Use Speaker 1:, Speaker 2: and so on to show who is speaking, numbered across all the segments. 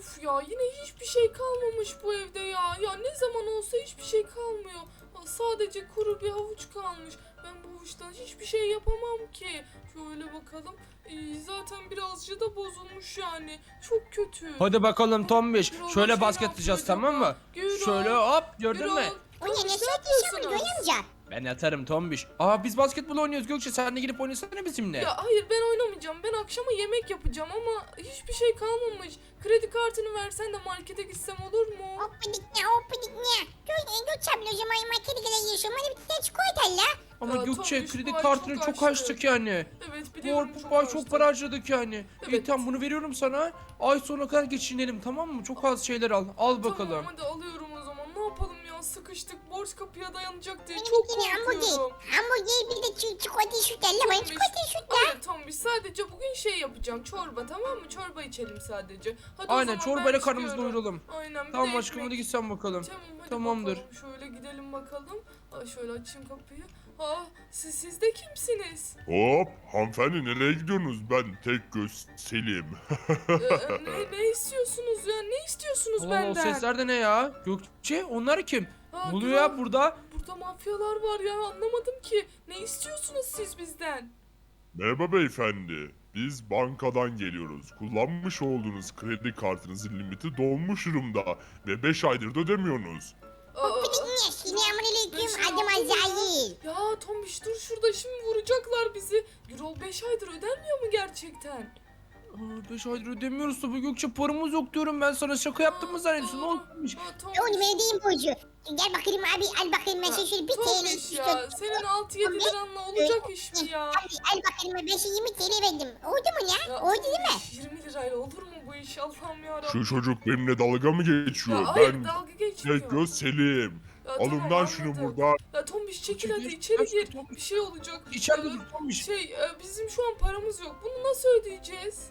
Speaker 1: Uf ya yine hiçbir şey kalmamış bu evde ya. Ya ne zaman olsa hiçbir şey kalmıyor. Sadece kuru bir havuç kalmış. Ben bu havuçtan hiçbir şey yapamam ki. Şöyle bakalım. Zaten birazcık da bozulmuş yani. Çok kötü.
Speaker 2: Hadi bakalım Tombiş.
Speaker 1: Gürol,
Speaker 2: Şöyle
Speaker 1: şey
Speaker 2: basket
Speaker 1: ne
Speaker 2: atacağız,
Speaker 1: yapıyor
Speaker 2: tamam mı?
Speaker 1: acaba? Gürol,
Speaker 2: Şöyle hop, gördün mü?
Speaker 1: Gürol,
Speaker 3: O ne
Speaker 1: Tombiş,
Speaker 3: ne
Speaker 1: ne
Speaker 3: yapıyorsun
Speaker 1: yapıyorsunuz?
Speaker 3: amca?
Speaker 2: Ben atarım Tombiş. Aa, biz basketbol oynuyoruz Gökçe, sen de gidip oynasana bizimle.
Speaker 1: Ya hayır ben oynamayacağım. Ben akşama yemek yapacağım ama hiçbir şey kalmamış. Kredi kartını versen de markete gitsem olur mu?
Speaker 3: Hoppidik ne hoppidik ne. Götçem o zaman markete kadar yaşıyorum. Hadi bir tane çikolata la.
Speaker 2: Ama
Speaker 1: Ya,
Speaker 2: Gökçe,
Speaker 1: Tombiş,
Speaker 2: kredi
Speaker 1: bu ay
Speaker 2: kartını
Speaker 1: çok
Speaker 2: çok
Speaker 1: açtı.
Speaker 2: açtık yani.
Speaker 1: Evet biliyorum
Speaker 2: Bu ay çok
Speaker 1: açtım.
Speaker 2: para harcadık yani. İyi,
Speaker 1: Evet.
Speaker 2: tamam, bunu veriyorum sana. Ay sonuna kadar geçinelim, tamam mı? Çok az şeyler al. Al bakalım.
Speaker 1: Tamam hadi alıyorum o zaman. Ne yapalım ya, sıkıştık. Borç kapıya dayanacak diye
Speaker 3: Benim
Speaker 1: çok
Speaker 3: bir tane hamburger.
Speaker 1: korkuyorum.
Speaker 3: Hamburger bir de çikolata süt la. Bana
Speaker 1: Tombiş,
Speaker 3: çikolata süt la.
Speaker 1: hayır Tombiş, sadece bugün şey yapacağım. Çorba, tamam mı? Çorba içelim sadece. Hadi o
Speaker 2: Aynen,
Speaker 1: zaman
Speaker 2: çorbayla
Speaker 1: ben
Speaker 2: karnımızı
Speaker 1: çıkıyorum.
Speaker 2: doyuralım.
Speaker 1: Aynen, bir
Speaker 2: Tamam
Speaker 1: de
Speaker 2: aşkım,
Speaker 1: ekmek.
Speaker 2: hadi git sen bakalım.
Speaker 1: Tamam hadi
Speaker 2: Tamamdır.
Speaker 1: bakalım. Şöyle gidelim bakalım. Şöyle açayım kapıyı. Siz de kimsiniz?
Speaker 4: Hop, hanımefendi nereye gidiyorsunuz? Ben tek göz Selim.
Speaker 1: Ne istiyorsunuz ya? Ne istiyorsunuz
Speaker 2: Allah, o
Speaker 1: benden?
Speaker 2: sesler de ne ya? Gökçe, onlar kim? Ne oluyor
Speaker 1: Gürol,
Speaker 2: ya burada?
Speaker 1: Burada mafyalar var ya, anlamadım ki. Ne istiyorsunuz siz bizden?
Speaker 4: Merhaba beyefendi. Biz bankadan geliyoruz. Kullanmış olduğunuz kredi kartınızın limiti dolmuş durumda ve 5 aydır da ödemiyorsunuz.
Speaker 3: Hoppidik ne. Selamünaleyküm.
Speaker 1: Beş ay
Speaker 3: Adım
Speaker 1: oldu mu ya?
Speaker 3: Azrail.
Speaker 1: Ya Tombiş dur şurada, şimdi vuracaklar bizi. Gürol 5 aydır ödenmiyor mu gerçekten?
Speaker 2: 5 aydır ödemiyoruz tabii Gökçe, paramız yok diyorum ben sana, şaka yaptım mı zannediyorsun? Ne olmuş?
Speaker 3: Onu verdiğim borcu. Gel bakayım abi al bakayım ben sana şöyle bir TL
Speaker 1: Tombiş
Speaker 3: istiyorum.
Speaker 1: ya, senin 6-7 liranla olacak iş mi ya?
Speaker 3: Abi al bakayım ben sana 20 TL verdim. Oldu mu ya? Oldu değil mi?
Speaker 1: Tombiş, 20 lirayla olur mu bu iş, Allah'ım yarabbim.
Speaker 4: Şu çocuk benimle dalga mı geçiyor?
Speaker 1: Ya hayır,
Speaker 4: Ben
Speaker 1: dalga geçmiyor.
Speaker 4: tek göz Selim.
Speaker 1: Ya
Speaker 4: Alın
Speaker 1: tamam,
Speaker 4: lan şunu
Speaker 1: anladım.
Speaker 4: buradan.
Speaker 1: Ya Tombiş çekil
Speaker 2: Çekil,
Speaker 1: hadi içeri
Speaker 2: çekil,
Speaker 1: gir.
Speaker 2: Tombiş.
Speaker 1: Bir şey olacak.
Speaker 2: İçeride
Speaker 1: Ee,
Speaker 2: dur Tombiş.
Speaker 1: Bizim şu an paramız yok. Bunu nasıl ödeyeceğiz?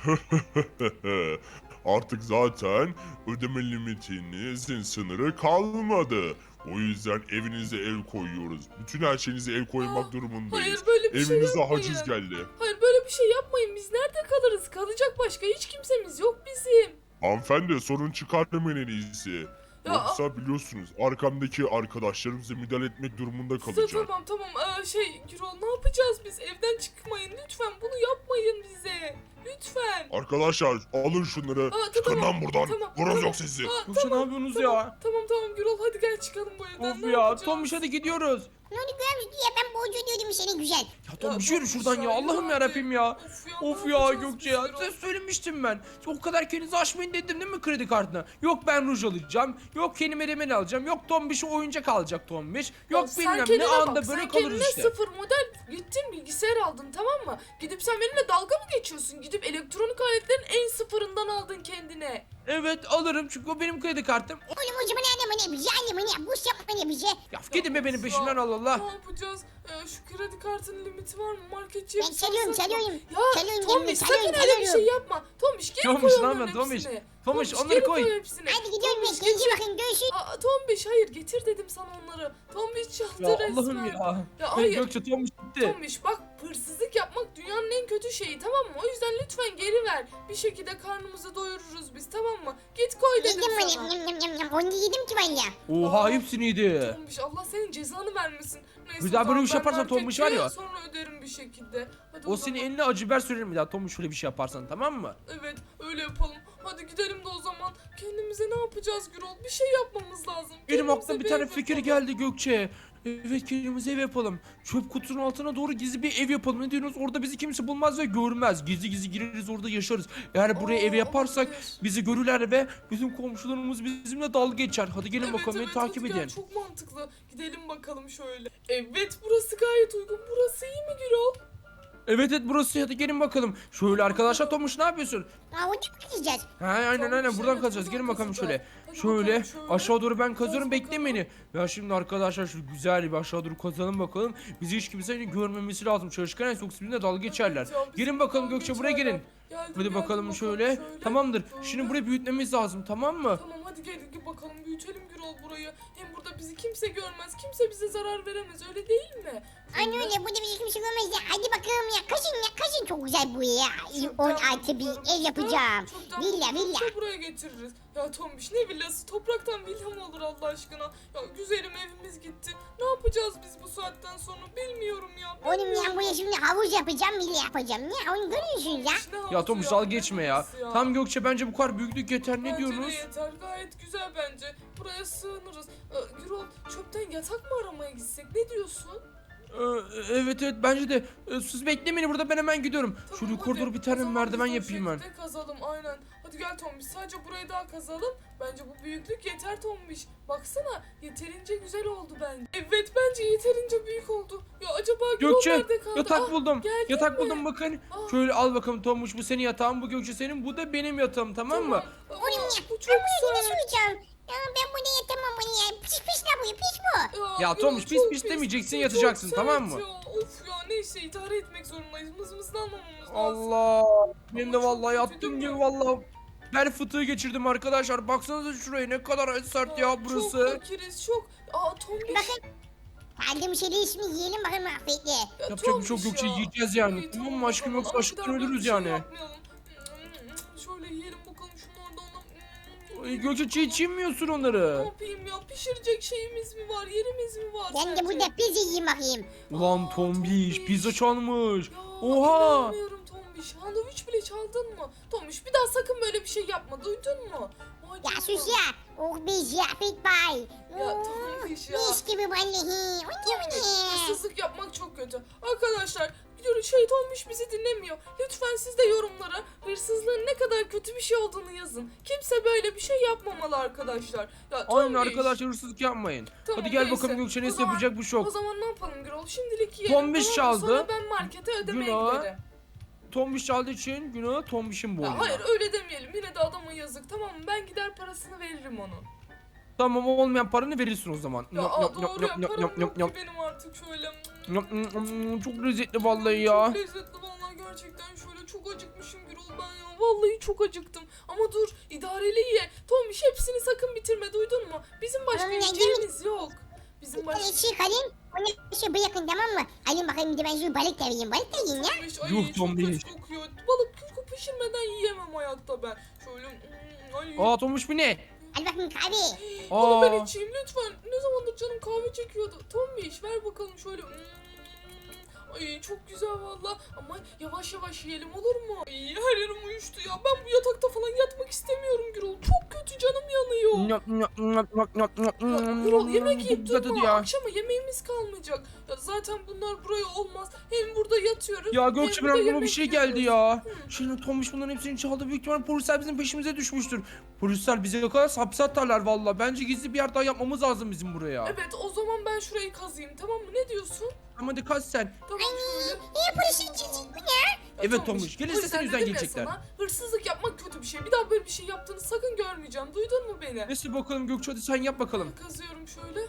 Speaker 4: Artık zaten ödeme limitinizin sınırı kalmadı. O yüzden evinize el koyuyoruz. Bütün her şeyinize el koymak durumundayız.
Speaker 1: Hayır böyle bir şey
Speaker 4: Evinize
Speaker 1: yapmayın.
Speaker 4: haciz geldi.
Speaker 1: Hayır böyle bir şey yapmayın. Biz nerede kalırız? Kalacak başka hiç kimsemiz yok bizim.
Speaker 4: Hanımefendi sorun çıkartmayın en iyisi.
Speaker 1: Ya-
Speaker 4: Yoksa biliyorsunuz arkamdaki arkadaşlarımıza müdahale etmek durumunda kalacak.
Speaker 1: Tamam. Gürol ne yapacağız biz? Evden çıkmayın lütfen. Bunu yapmayın bize. Lütfen.
Speaker 4: Arkadaşlar alın şunları. Çıkın
Speaker 1: tamam,
Speaker 4: lan buradan.
Speaker 1: tamam,
Speaker 4: Vururuz
Speaker 1: tamam.
Speaker 4: yok sizi.
Speaker 2: Gökçe, ne yapıyorsunuz ya?
Speaker 1: Tamam Gürol, hadi gel çıkalım bu evden.
Speaker 2: Of
Speaker 1: Ne
Speaker 2: ya
Speaker 1: yapacağız?
Speaker 2: Tombiş, hadi gidiyoruz.
Speaker 3: Ne oldu görmüş ya ben borcu ödüyordum seni güzel.
Speaker 2: Ya Tombiş,
Speaker 1: Ya
Speaker 2: yürü şuradan
Speaker 1: Tombiş
Speaker 2: ya,
Speaker 1: ya,
Speaker 2: Allah'ım
Speaker 1: yürü
Speaker 2: yarabbim ya.
Speaker 1: ne
Speaker 2: Of ya
Speaker 1: yapacağız
Speaker 2: Gökçe
Speaker 1: biz
Speaker 2: ya,
Speaker 1: Gürol?
Speaker 2: size söylemiştim ben. O kadar kendinizi aşmayın dedim değil mi kredi kartına? Yok ben ruj alacağım, yok kendime remel alacağım, yok Tombiş'e oyuncak alacak Tombiş. Yok
Speaker 1: Sen
Speaker 2: bilmem ne,
Speaker 1: kendine
Speaker 2: anda
Speaker 1: bak,
Speaker 2: böyle
Speaker 1: sen
Speaker 2: kalırız
Speaker 1: kendine
Speaker 2: işte.
Speaker 1: sıfır model gittin bilgisayar aldın, tamam mı? Gidip sen benimle dalga mı geçiyorsun? Gidip elektronik aletlerin en sıfırından aldın kendine.
Speaker 2: Evet alırım çünkü o benim kredi kartım.
Speaker 3: Oğlum o zaman annem ne bize annem ne bu yapma ne bize.
Speaker 2: Ya gidin be benim
Speaker 1: of
Speaker 2: peşimden,
Speaker 1: ya,
Speaker 2: Allah Allah.
Speaker 1: Ne yapacağız? Şu kredi kartının limiti var mı? Marketçiye
Speaker 3: Ben
Speaker 1: bir
Speaker 3: çalıyorum
Speaker 1: sorsak mı?
Speaker 3: çalıyorum.
Speaker 1: Ya
Speaker 3: Çalıyorum,
Speaker 1: Tombiş sakın
Speaker 3: çalıyorum,
Speaker 1: öyle bir şey
Speaker 3: çalıyorum.
Speaker 1: yapma. Tombiş geri
Speaker 2: Tombiş,
Speaker 1: koy
Speaker 2: ne
Speaker 1: onların
Speaker 2: yapıyorsun Tombiş?
Speaker 1: hepsini.
Speaker 2: Tombiş, onları
Speaker 1: geri
Speaker 2: koy.
Speaker 1: hepsini.
Speaker 3: Hadi gidiyorum ben
Speaker 1: Tombiş,
Speaker 3: kendine
Speaker 1: getir.
Speaker 3: bakın görüşürüz.
Speaker 1: Tombiş hayır, getir dedim sana onları. Tombiş çaldı
Speaker 2: Ya
Speaker 1: resmen.
Speaker 2: Allah'ım ya.
Speaker 1: Ya
Speaker 2: Hey,
Speaker 1: hayır.
Speaker 2: Gökçe, Tombiş gitti.
Speaker 1: Tombiş bak, hırsızlık yapmak dünyanın en kötü şeyi, tamam mı? O yüzden lütfen geri ver. Bir şekilde karnımızı doyururuz biz, tamam mı? Git koy dedim
Speaker 3: Yedim ben
Speaker 1: sana.
Speaker 3: yam. Onu yedim ki ben ya.
Speaker 2: Oha, hepsini yedi.
Speaker 1: Tombiş Allah senin cezanı vermesin. Neyse,
Speaker 2: Bir daha böyle
Speaker 1: tamam,
Speaker 2: bir şey
Speaker 1: ben
Speaker 2: yaparsan Tombiş var ya.
Speaker 1: marketçiye sonra öderim bir şekilde. Hadi
Speaker 2: O
Speaker 1: zaman.
Speaker 2: senin eline acı biber sürerim bir daha Tombiş, şöyle bir şey yaparsan, tamam mı?
Speaker 1: Evet öyle yapalım. Hadi gidelim de o zaman. Kendimize ne yapacağız Gürol? Bir şey yapmamız lazım.
Speaker 2: Benim
Speaker 1: Kendimize
Speaker 2: aklıma bir tane
Speaker 1: ev
Speaker 2: fikir
Speaker 1: yapalım.
Speaker 2: geldi Gökçe. Evet, kendimize ev yapalım. Çöp kutunun altına doğru gizli bir ev yapalım. Ne diyorsunuz? Orada bizi kimse bulmaz ve görmez. Gizli gizli gireriz, orada yaşarız. Eğer buraya ev yaparsak
Speaker 1: olabilir.
Speaker 2: bizi görürler ve bizim komşularımız bizimle dalga geçer. Hadi gelin bakalım, beni takip
Speaker 1: hadi gel,
Speaker 2: edin.
Speaker 1: çok mantıklı. Gidelim bakalım şöyle. Evet burası gayet uygun. Burası iyi mi Gürol?
Speaker 2: Evet burası, hadi gelin bakalım. Şöyle arkadaşlar, Tomuş ne yapıyorsun?
Speaker 3: Aa onu mu gideceğiz?
Speaker 2: Ha aynen
Speaker 1: Tomuş,
Speaker 2: buradan
Speaker 1: evet,
Speaker 2: kazacağız.
Speaker 1: buradan
Speaker 2: Gelin bakalım
Speaker 1: kazacağız.
Speaker 2: şöyle.
Speaker 1: Hadi
Speaker 2: Şöyle
Speaker 1: bakalım şöyle.
Speaker 2: aşağı doğru ben kazıyorum,
Speaker 1: Kaz
Speaker 2: bekleyin
Speaker 1: bakalım.
Speaker 2: beni. Ya şimdi arkadaşlar şu güzel bir aşağı doğru kazalım bakalım. Bizi hiç kimsenin görmemesi lazım. Çalışkan en yoksa bizimle dalga geçerler.
Speaker 1: ya, bizimle
Speaker 2: Gelin bakalım
Speaker 1: dalga
Speaker 2: Gökçe, buraya
Speaker 1: geçerler.
Speaker 2: gelin.
Speaker 1: Geldim,
Speaker 2: Hadi
Speaker 1: geldim,
Speaker 2: bakalım şöyle. Tamamdır. Şimdi
Speaker 1: Böyle.
Speaker 2: burayı büyütmemiz lazım, tamam mı?
Speaker 1: Tamam hadi gel bakalım büyütelim Gürol burayı. Hem burada bizi kimse görmez. Kimse bize zarar veremez öyle değil mi?
Speaker 3: Anne öyle burada bizi kimse görmez ya. Hadi bakalım ya. Kaçın çok güzel bu ya. 10 artı bir ev yapacağım. Villa.
Speaker 1: Villa. Buraya getiririz. Ya Tombiş ne villası? Topraktan villa mı olur Allah aşkına? Ya güzelim evimiz gitti. Ne yapacağız biz bu saatten sonra bilmiyorum ya.
Speaker 3: Oğlum ya buraya şimdi havuz yapacağım, villa yapacağım. Ne onu görüyorsunuz ya.
Speaker 1: Ne
Speaker 2: Ya
Speaker 1: havuzu
Speaker 2: Tomuş
Speaker 1: ya,
Speaker 2: dal
Speaker 1: ne
Speaker 2: geçme ya.
Speaker 1: havuzu
Speaker 2: Tam Gökçe bence bu kadar büyüklük yeter, ne
Speaker 1: Bence de
Speaker 2: diyorsunuz?
Speaker 1: yeter gayet güzel bence. Buraya sığınırız. Gürol çöpten yatak mı aramaya gitsek ne diyorsun?
Speaker 2: Evet bence de. Siz bekleyin beni burada, ben hemen gidiyorum.
Speaker 1: Tamam,
Speaker 2: Şöyle
Speaker 1: hadi.
Speaker 2: yukarı doğru bir tane
Speaker 1: O zaman
Speaker 2: merdiven
Speaker 1: biz de o
Speaker 2: yapayım ben.
Speaker 1: şekilde kazalım aynen. Hadi gel Tombiş sadece burayı daha kazalım. Bence bu büyüklük yeter Tombiş. Baksana yeterince güzel oldu bence. Evet bence yeterince büyük oldu. Ya acaba Gürol
Speaker 2: Gökçe
Speaker 1: nerede kaldı?
Speaker 2: yatak buldum.
Speaker 1: geldin
Speaker 2: Yatak
Speaker 1: mi?
Speaker 2: buldum bakın.
Speaker 1: Aa.
Speaker 2: Şöyle al bakalım Tomuş, bu senin yatağın, bu Gökçe senin, bu da benim yatağım, tamam mı?
Speaker 1: Aa,
Speaker 3: Oğlum ya.
Speaker 1: bu
Speaker 3: Ben
Speaker 1: çok
Speaker 3: buraya yine
Speaker 1: güzel.
Speaker 3: suyacağım. Ya ben burada yatamam bunu ya. Pis la bu pis bu.
Speaker 2: Ya
Speaker 1: Gürol,
Speaker 2: Tomuş, pis
Speaker 1: çok
Speaker 2: pis demeyeceksin,
Speaker 1: çok
Speaker 2: yatacaksın,
Speaker 1: sert
Speaker 2: tamam mı?
Speaker 1: ya. Of ya neyse idare etmek zorundayız. Mızmızlanmamamız lazım.
Speaker 2: Allah. Benim de
Speaker 1: Ama çok
Speaker 2: vallahi
Speaker 1: kötü
Speaker 2: yattığım
Speaker 1: değil
Speaker 2: gibi
Speaker 1: mi?
Speaker 2: vallahi bel fıtığı geçirdim arkadaşlar. Baksanıza şuraya, ne kadar sert ya burası.
Speaker 1: Çok fakiriz çok. Tombiş.
Speaker 3: Bakın. Kaldım şeyleri ismi yiyelim bakalım afiyetle.
Speaker 1: Ya
Speaker 2: Yapacak bir şey yok
Speaker 1: Tombiş
Speaker 2: Gökçe,
Speaker 1: ya.
Speaker 2: yiyeceğiz yani.
Speaker 1: İyi,
Speaker 2: Tamam mı aşkım,
Speaker 1: bakalım.
Speaker 2: yoksa
Speaker 1: Ama
Speaker 2: açlıktan
Speaker 1: bir daha böyle
Speaker 2: ölürüz
Speaker 1: bir şey
Speaker 2: yani.
Speaker 1: yapmayalım. Şöyle yiyelim bakalım şunlardan da.
Speaker 2: Ay, Gökçe çiğ yemiyorsun
Speaker 1: Ne
Speaker 2: onları.
Speaker 1: yapayım ya? Pişirecek şeyimiz mi var? Yerimiz mi var?
Speaker 3: Ben de
Speaker 1: sence?
Speaker 3: burada pizza yiyeyim bakayım.
Speaker 2: Ulan
Speaker 1: Aa,
Speaker 2: Tombiş
Speaker 1: Tombiş.
Speaker 2: pizza çalmış.
Speaker 1: Ya,
Speaker 2: Oha.
Speaker 1: inanmıyorum Tombiş. Sandviç bile çaldın mı? Tombiş bir daha sakın böyle bir şey yapma. Duydun mu? Vay
Speaker 3: Ya
Speaker 1: canına.
Speaker 3: sus ya. Oh biz ya fit bay.
Speaker 1: Ya Tombiş ya.
Speaker 3: Mis gibi vallahi.
Speaker 1: Hırsızlık yapmak çok kötü. Arkadaşlar Tombiş bizi dinlemiyor. Lütfen siz de yorumlara hırsızlığın ne kadar kötü bir şey olduğunu yazın. Kimse böyle bir şey yapmamalı arkadaşlar. Ya
Speaker 2: Aynen
Speaker 1: Tombiş.
Speaker 2: arkadaşlar, hırsızlık yapmayın.
Speaker 1: Tamam,
Speaker 2: Hadi gel
Speaker 1: neyse.
Speaker 2: bakalım Gökçe,
Speaker 1: O
Speaker 2: neyse
Speaker 1: zaman-
Speaker 2: yapacak bu
Speaker 1: O
Speaker 2: şok.
Speaker 1: zaman ne yapalım Gürol? Şimdilik yiyelim.
Speaker 2: Tombiş
Speaker 1: tamam mı?
Speaker 2: çaldı.
Speaker 1: Sonra ben markete ödemeye
Speaker 2: Günah.
Speaker 1: giderim.
Speaker 2: Tombiş çaldığı için günah Tombiş'in boynuna.
Speaker 1: Ya hayır öyle demeyelim. Yine de adama yazık tamam mı? Ben gider parasını veririm onun.
Speaker 2: Tamam, olmayan paranı verirsin o zaman.
Speaker 1: Ya doğru ya param yok ki benim artık şöyle.
Speaker 2: Çok lezzetli vallahi ya.
Speaker 1: Çok lezzetli vallahi gerçekten şöyle çok acıkmışım Gürol ben ya. Vallahi çok acıktım. Ama dur idareli ye. Tombiş hepsini sakın bitirme duydun mu? Bizim başka
Speaker 3: Oğlum, ne
Speaker 1: yiyeceğimiz yok. Bizim başka...
Speaker 3: Şey kalın. Onu şey bırakın tamam mı? Alın bakayım bir de ben şu balık da vereyim. Balık da yiyin ya.
Speaker 1: Tombiş, ay,
Speaker 2: Yuh,
Speaker 1: çok
Speaker 2: Tombiş.
Speaker 1: kötü kokuyor. Balık pişirmeden yiyemem hayatta ben. Şöyle ay.
Speaker 2: Aa Tombiş, bu ne?
Speaker 3: Hadi bakayım kahve.
Speaker 1: Onu ben
Speaker 2: Aa.
Speaker 1: içeyim lütfen. Ne zamandır canım kahve çekiyordu. Tombiş ver bakalım şöyle. Ay çok güzel valla. Ama yavaş yavaş yiyelim olur mu? Ay her yerim uyuştu ya. Ben bu yatakta falan yatmak istemiyorum Gürol. Çok kötü canım yanıyor. Ya, Gürol yemek
Speaker 2: Çok
Speaker 1: yiyip
Speaker 2: güzel
Speaker 1: durma.
Speaker 2: tadı ya.
Speaker 1: Akşama yemeğimiz kalmayacak. Ya zaten bunlar buraya olmaz. Hem burada yatıyoruz.
Speaker 2: Ya
Speaker 1: hem
Speaker 2: Gökçe,
Speaker 1: burada
Speaker 2: benim aklıma bir
Speaker 1: yemek
Speaker 2: şey geldi
Speaker 1: yiyoruz.
Speaker 2: ya. Şimdi Tombiş bunların hepsini çaldı. Büyük ihtimalle polisler bizim peşimize düşmüştür. Polisler bize yakalarsa hapse atarlar valla. Bence gizli bir yer daha yapmamız lazım bizim buraya.
Speaker 1: Evet o zaman ben şurayı kazıyım tamam mı? Ne diyorsun?
Speaker 2: Ama hadi kaç sen.
Speaker 1: Tamam şöyle.
Speaker 3: Niye polisin çizik bu ne?
Speaker 1: Ya
Speaker 2: Evet,
Speaker 1: Tombiş,
Speaker 2: Tombiş, gelirse
Speaker 1: o yüzden
Speaker 2: senin yüzünden
Speaker 1: dedim ya
Speaker 2: gelecekler.
Speaker 1: sana, hırsızlık yapmak kötü bir şey. Bir daha böyle bir şey yaptığını sakın görmeyeceğim. Duydun mu beni?
Speaker 2: Neyse bakalım Gökçe, hadi sen yap bakalım.
Speaker 1: Kazıyorum şöyle.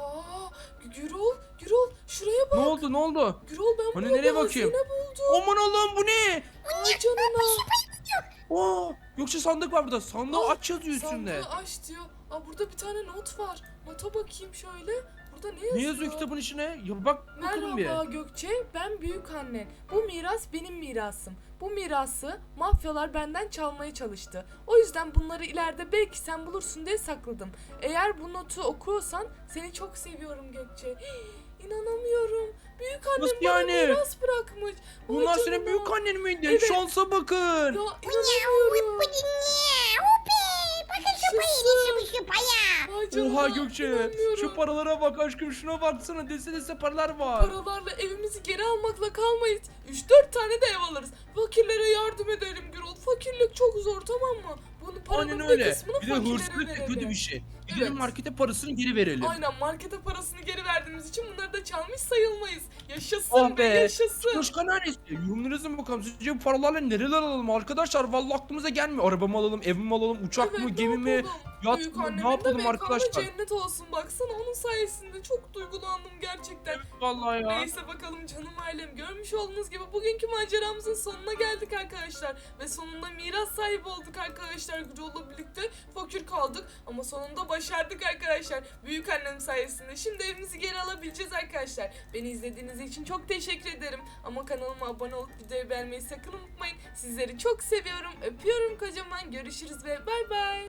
Speaker 1: Gürol şuraya bak.
Speaker 2: Ne oldu, ne oldu?
Speaker 1: Gürol ben
Speaker 2: Hani
Speaker 1: burada
Speaker 2: nereye
Speaker 1: bir
Speaker 2: bakayım?
Speaker 1: hazine buldum.
Speaker 2: Aman Allah'ım, bu ne?
Speaker 1: Ay canına.
Speaker 2: Aa, Gökçe sandık var burada. Sandığı
Speaker 1: Aa,
Speaker 2: aç yazıyor üstünde.
Speaker 1: Sandığı aç diyor. Burada bir tane not var. Nota bakayım şöyle. Burada ne yazıyor?
Speaker 2: Ne yazıyor kitabın içine? Ya bak bakalım bir.
Speaker 1: Merhaba Gökçe, ben büyük annen. Bu miras benim mirasım. Bu mirası mafyalar benden çalmaya çalıştı. O yüzden bunları ileride belki sen bulursun diye sakladım. Eğer bu notu okuyorsan seni çok seviyorum Gökçe. İnanamıyorum. Büyük annem
Speaker 2: Nasıl
Speaker 1: bana
Speaker 2: yani?
Speaker 1: miras bırakmış. Vay
Speaker 2: Bunlar senin
Speaker 1: canına.
Speaker 2: büyük annen miydi?
Speaker 1: Evet.
Speaker 2: Şansa bakın.
Speaker 1: Ya
Speaker 3: Bu
Speaker 1: inanamıyorum.
Speaker 3: ne? Hopi. Bakın şu payı. Şu paya.
Speaker 1: Vay canına,
Speaker 2: Oha Gökçe.
Speaker 1: inanmıyorum.
Speaker 2: Şu paralara bak aşkım, şuna baksana. Dese paralar var.
Speaker 1: Paralarla evimizi geri almakla kalmayız. 3-4 tane de ev alırız. Fakirlere yardım edelim Gürol. Fakirlik çok zor tamam mı? Bunu paranın
Speaker 2: Aynen
Speaker 1: bir
Speaker 2: öyle.
Speaker 1: kısmını
Speaker 2: Bir de
Speaker 1: fakirlere
Speaker 2: hırsızlık da
Speaker 1: verelim.
Speaker 2: kötü bir şey. Gidelim
Speaker 1: Evet.
Speaker 2: markete parasını geri verelim.
Speaker 1: Aynen, markete parasını geri verdiğimiz için bunları da çalmış sayılmayız. Yaşasın
Speaker 2: Oh be.
Speaker 1: yaşasın.
Speaker 2: Başka neresi? Yorumlarınızı bakalım. Sizce bu paralarla nereler alalım arkadaşlar? Vallahi aklımıza gelmiyor. Araba mı alalım, ev mi alalım, uçak mı,
Speaker 1: Evet,
Speaker 2: gemi mi?
Speaker 1: yapalım?
Speaker 2: Yat
Speaker 1: Büyük
Speaker 2: mı?
Speaker 1: annemin
Speaker 2: Ne yapalım
Speaker 1: de mekanı
Speaker 2: arkadaşlar?
Speaker 1: cennet olsun, baksana onun sayesinde çok duygulandım gerçekten.
Speaker 2: Vallahi ya.
Speaker 1: Neyse bakalım canım ailem, görmüş olduğunuz gibi bugünkü maceramızın sonuna geldik arkadaşlar. Ve sonunda miras sahibi olduk arkadaşlar, Gürol'la birlikte fakir kaldık ama sonunda başardık arkadaşlar. Büyük annem sayesinde şimdi evimizi geri alabileceğiz arkadaşlar. Beni izlediğiniz için çok teşekkür ederim. Ama kanalıma abone olup videoyu beğenmeyi sakın unutmayın. Sizleri çok seviyorum, öpüyorum kocaman, görüşürüz ve bay bay.